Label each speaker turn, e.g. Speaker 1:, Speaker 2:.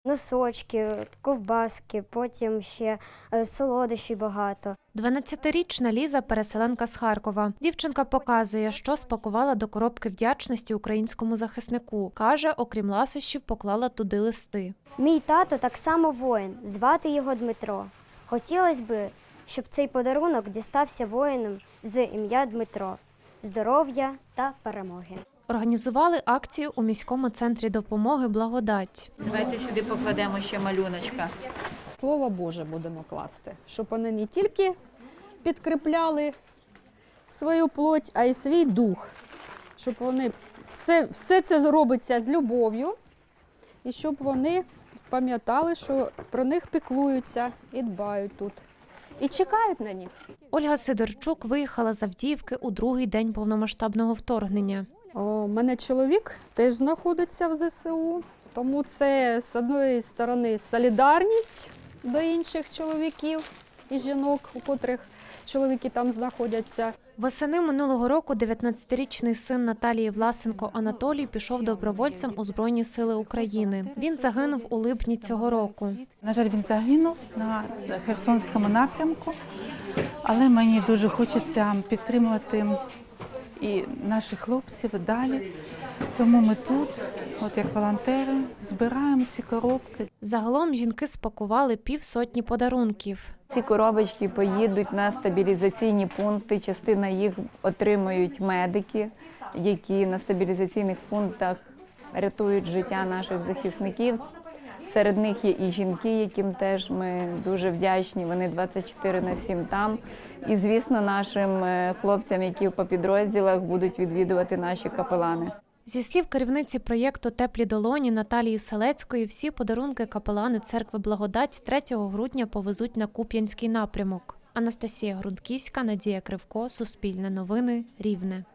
Speaker 1: Носочки, ковбаски, потім ще солодощі багато.
Speaker 2: 12-річна Ліза – переселенка з Харкова. Дівчинка показує, що спакувала до коробки вдячності українському захиснику. Каже, окрім ласощів, поклала туди листи.
Speaker 1: Мій тато так само воїн, звати його Дмитро. Хотілося б, щоб цей подарунок дістався воїнам з ім'я Дмитро. Здоров'я та перемоги.
Speaker 2: Організували акцію у міському центрі допомоги «Благодать».
Speaker 3: Давайте сюди покладемо ще малюночка.
Speaker 4: Слово Боже будемо класти, щоб вони не тільки підкріпляли свою плоть, а й свій дух. Щоб вони все це робиться з любов'ю, і щоб вони пам'ятали, що про них піклуються і дбають тут. І чекають на них.
Speaker 2: Ольга Сидорчук виїхала з Авдіївки у другий день повномасштабного вторгнення.
Speaker 4: У мене чоловік теж знаходиться в ЗСУ, тому це, з однієї сторони, солідарність до інших чоловіків і жінок, у котрих чоловіки там знаходяться.
Speaker 2: Восени минулого року 19-річний син Наталії Власенко Анатолій пішов добровольцем у Збройні сили України. Він загинув у липні цього року.
Speaker 5: На жаль, він загинув на Херсонському напрямку, але мені дуже хочеться підтримувати і наших хлопців далі. Тому ми тут, от як волонтери, збираємо ці коробки.
Speaker 2: Загалом жінки спакували півсотні подарунків.
Speaker 3: Ці коробочки поїдуть на стабілізаційні пункти. Частина їх отримають медики, які на стабілізаційних пунктах рятують життя наших захисників. Серед них є і жінки, яким теж ми дуже вдячні. Вони 24/7 там. І, звісно, нашим хлопцям, які по підрозділах будуть відвідувати наші капелани.
Speaker 2: Зі слів керівниці проєкту «Теплі долоні» Наталії Селецької, всі подарунки капелани церкви «Благодать» 3 грудня повезуть на Куп'янський напрямок. Анастасія Грунтківська, Надія Кривко, Суспільне новини, Рівне.